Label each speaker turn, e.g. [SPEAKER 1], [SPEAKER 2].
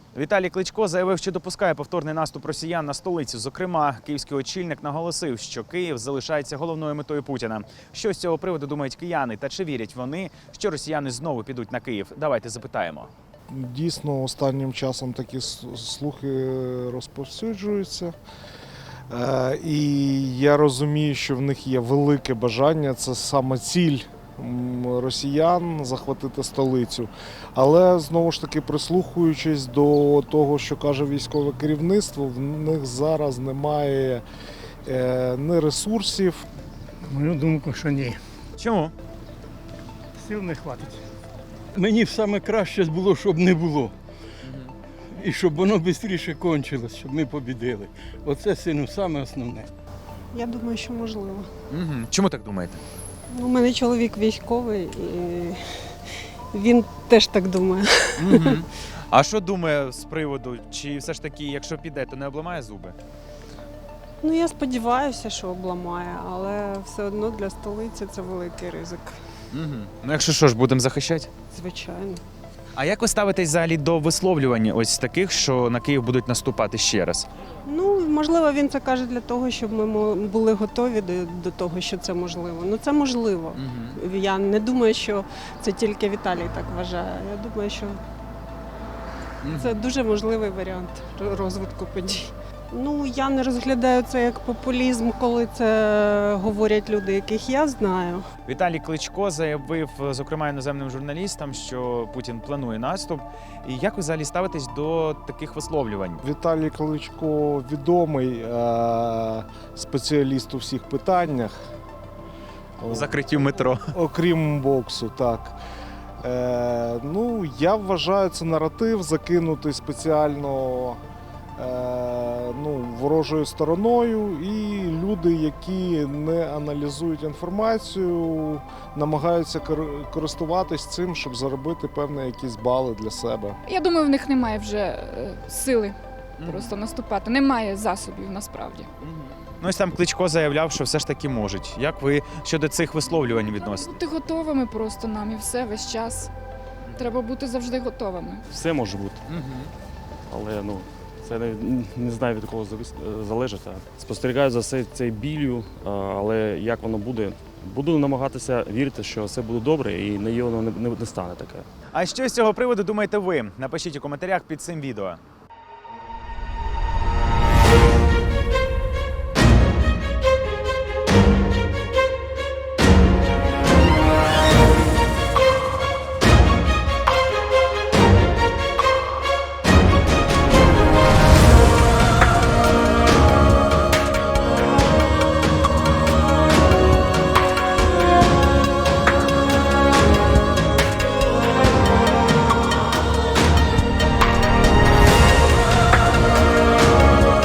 [SPEAKER 1] Віталій Кличко заявив, що допускає повторний наступ росіян на столицю. Зокрема, київський очільник наголосив, що Київ залишається головною метою Путіна. Що з цього приводу думають кияни та чи вірять вони, що росіяни знову підуть на Київ? Давайте запитаємо.
[SPEAKER 2] Дійсно, останнім часом такі слухи розповсюджуються. І я розумію, що в них є велике бажання, це саме ціль росіян захватити столицю. Але, знову ж таки, прислухаючись до того, що каже військове керівництво, в них зараз немає ні ресурсів.
[SPEAKER 3] Мою думку, що ні.
[SPEAKER 1] Чому?
[SPEAKER 3] Сил не хватить. Мені б саме краще було, щоб не було. І щоб воно швидше кончилось, щоб ми побідили. Оце, сину, саме основне.
[SPEAKER 4] Я думаю, що можливо.
[SPEAKER 1] Чому так думаєте?
[SPEAKER 4] У мене чоловік військовий, і він теж так думає.
[SPEAKER 1] А що думає з приводу, чи все ж таки, якщо піде, то не обламає зуби?
[SPEAKER 4] Ну, я сподіваюся, що обламає, але все одно для столиці це великий ризик.
[SPEAKER 1] Ну якщо що ж, будемо захищати?
[SPEAKER 4] Звичайно.
[SPEAKER 1] А як ви ставитесь взагалі до висловлювань ось таких, що на Київ будуть наступати ще раз?
[SPEAKER 4] Ну, можливо, він це каже для того, щоб ми були готові до того, що це можливо. Ну, це можливо. Я не думаю, що це тільки Віталій так вважає. Я думаю, що це дуже можливий варіант розвитку подій. Ну, я не розглядаю це як популізм, коли це говорять люди, яких я знаю.
[SPEAKER 1] Віталій Кличко заявив, зокрема, іноземним журналістам, що Путін планує наступ. І як ви взагалі ставитесь до таких висловлювань?
[SPEAKER 2] Віталій Кличко відомий спеціаліст у всіх питаннях.
[SPEAKER 1] У закритті метро.
[SPEAKER 2] Окрім боксу, так. Ну, я вважаю, це наратив закинутий спеціально ворожою стороною, і люди, які не аналізують інформацію, намагаються користуватись цим, щоб заробити певні якісь бали для себе.
[SPEAKER 5] Я думаю, в них немає вже сили просто наступати. Немає засобів насправді.
[SPEAKER 1] Ну ось там Кличко заявляв, що все ж таки можуть. Як ви щодо цих висловлювань відносите?
[SPEAKER 5] Бути готовими просто нам і все, весь час. Треба бути завжди готовими.
[SPEAKER 6] Все може бути, але це не знаю, від кого залежить. Спостерігаю за цією біллю, але як воно буде, буду намагатися вірити, що все буде добре і воно не стане таке.
[SPEAKER 1] А що з цього приводу думаєте ви? Напишіть у коментарях під цим відео.